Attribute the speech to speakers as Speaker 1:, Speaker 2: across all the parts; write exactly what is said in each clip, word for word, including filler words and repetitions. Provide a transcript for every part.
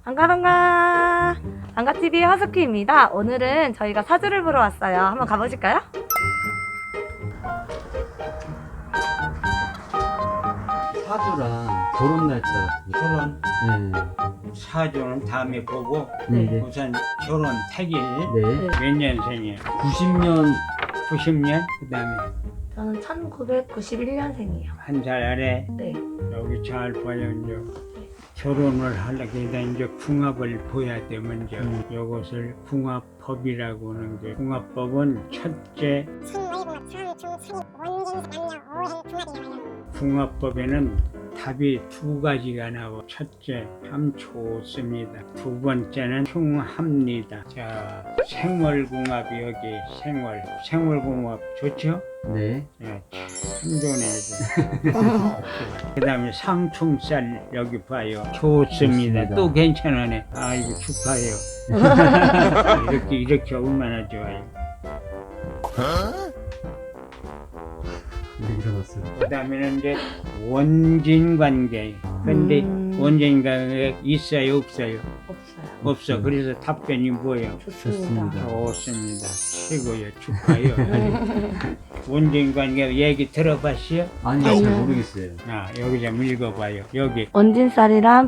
Speaker 1: 안가방가 안가티비의 허스키입니다. 오늘은 저희가 사주를 보러 왔어요. 한번 가보실까요?
Speaker 2: 사주랑 결혼 날짜
Speaker 3: 결혼
Speaker 2: 네.
Speaker 3: 사주는 다음에 보고
Speaker 2: 네.
Speaker 3: 우선 결혼 택일
Speaker 2: 네.
Speaker 3: 몇 년생이에요?
Speaker 2: 구십 년
Speaker 3: 구십 년? 그 다음에
Speaker 1: 저는 천구백구십일 년생이에요.
Speaker 3: 한 살 아래
Speaker 1: 네.
Speaker 3: 여기 잘 봐요. 이제 결혼을 하려고 해서 이제 궁합을 보야 돼. 먼저
Speaker 2: 음.
Speaker 3: 이것을 궁합법이라고 하는 게, 궁합법은 첫째 궁합법에는 답이 두 가지가 나와. 첫째, 참 좋습니다. 두 번째는 흉합니다. 자, 생월궁합이 여기 생월, 생월궁합 좋죠?
Speaker 2: 네.
Speaker 3: 예, 참 좋네. 그 다음에 상충살 여기 봐요. 좋습니다.
Speaker 2: 좋습니다.
Speaker 3: 또 괜찮으네. 아이고 축하해요. 이렇게 이렇게 얼마나 좋아요.
Speaker 2: 네, 일어났어요.
Speaker 3: 그 다음에는 이제 원진 관계. 근데
Speaker 1: 음.
Speaker 3: 원진 관계 있어요, 없어요?
Speaker 1: 없어요.
Speaker 3: 없어. 그래서 답변이 뭐예요?
Speaker 1: 좋습니다.
Speaker 2: 좋습니다.
Speaker 3: 좋습니다. 최고예요. 축하해요. 원진 관계 얘기 들어봤어요?
Speaker 2: 아니요, 잘
Speaker 1: 아니요.
Speaker 2: 모르겠어요.
Speaker 3: 아, 여기 좀 읽어봐요. 여기.
Speaker 1: 원진쌀이랑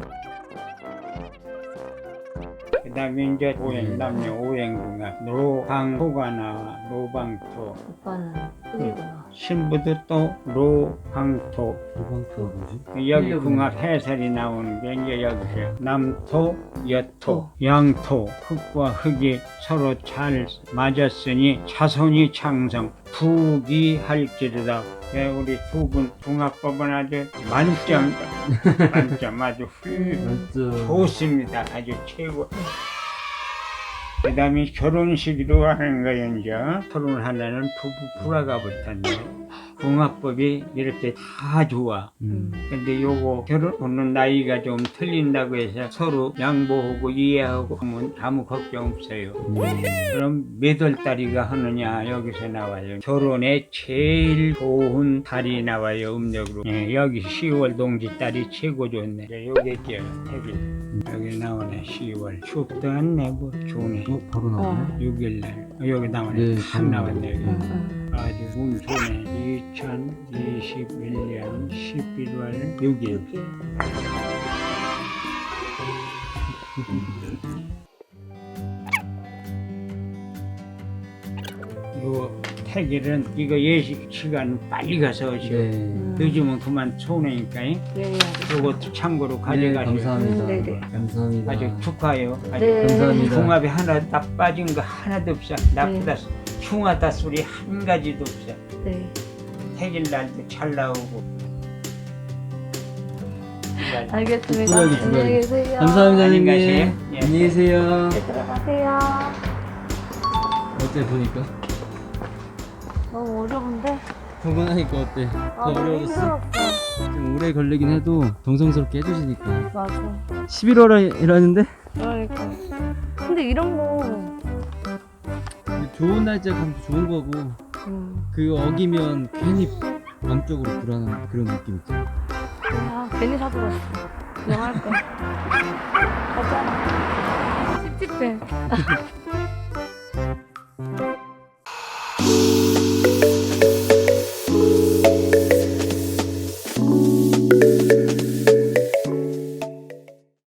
Speaker 3: 그 다음에 이제 오행, 남녀 오행궁합. 노방토가 나와. 노방토.
Speaker 1: 오빠는 흑이구나.
Speaker 3: 신부도 또 노방토.
Speaker 2: 도방토가 뭐지?
Speaker 3: 여기
Speaker 2: 힐링.
Speaker 3: 궁합 해설이 나오는 게 이제 여기서 남토, 여토,
Speaker 1: 어.
Speaker 3: 양토. 흙과 흙이 서로 잘 맞았으니 자손이 창성, 부귀할지르다. 예, 우리 두 분 궁합법은 아주 만점, 만점 아주 훌
Speaker 2: 맞죠.
Speaker 3: 좋습니다. 아주 최고. 그 다음에 결혼식으로 하는 거예요. 이제 결혼을 하려는 부부 불화가 붙었네. 궁합법이 이렇게 다 좋아.
Speaker 2: 음.
Speaker 3: 근데 요거 결혼하는 나이가 좀 틀린다고 해서 서로 양보하고 이해하고 하면 아무 걱정 없어요.
Speaker 2: 음.
Speaker 3: 그럼 몇 월 달이가 하느냐 여기서 나와요. 결혼에 제일 좋은 달이 나와요. 음력으로. 예, 여기 시월 동지 달이 최고 좋네. 예, 요게 죠 태길. 여기 나오네. 시월. 춥도 않네. 뭐 좋네.
Speaker 2: 어, 바로 나오네.
Speaker 3: 육 일 날. 여기 나오네.
Speaker 2: 네,
Speaker 3: 탁
Speaker 2: 바로
Speaker 3: 나왔네. 여기.
Speaker 1: 응, 응.
Speaker 3: 아주 운 좋네. 이천이십일 년 십일월 육 일.
Speaker 1: 여기.
Speaker 3: 요 태길은 이거 예식 시간 빨리 가서 오시오.
Speaker 2: 네.
Speaker 3: 늦으면 그만 손해니까.
Speaker 1: 네, 알겠습니다.
Speaker 3: 요것도 참고로
Speaker 2: 네,
Speaker 3: 가져가시오.
Speaker 2: 감사합니다.
Speaker 1: 음, 네네.
Speaker 2: 감사합니다.
Speaker 3: 아주 축하해요. 아주
Speaker 1: 네.
Speaker 2: 감사합니다.
Speaker 3: 궁합이 하나 다 빠진 거 하나도 없어. 나쁘다, 흉하다 소리 한 가지도 없어.
Speaker 1: 네.
Speaker 3: 태길 날도 잘 나오고.
Speaker 1: 알겠습니다.
Speaker 2: 두 가지, 두
Speaker 1: 안녕히
Speaker 2: 가지.
Speaker 1: 계세요.
Speaker 2: 감사합니다,
Speaker 3: 안녕히
Speaker 2: 형님.
Speaker 3: 가세요. 예.
Speaker 2: 안녕히 계세요.
Speaker 1: 네, 들어가세요.
Speaker 2: 어때 보니까?
Speaker 1: 너무 어려운데?
Speaker 2: 두 번 하니까 어때?
Speaker 1: 아,
Speaker 2: 더
Speaker 1: 너무
Speaker 2: 어려워졌어?
Speaker 1: 힘들었어.
Speaker 2: 좀 오래 걸리긴 해도 정성스럽게 해주시니까.
Speaker 1: 맞아.
Speaker 2: 십일월이라는데
Speaker 1: 그러니까. 근데 이런 거,
Speaker 2: 좋은 날짜 가면 좋은 거고
Speaker 1: 음,
Speaker 2: 그 어기면 괜히 마음적으로 불안한 그런 느낌 있죠.
Speaker 1: 아, 괜히 사들었어. 그냥 할 거야. 가자. 찝찝해.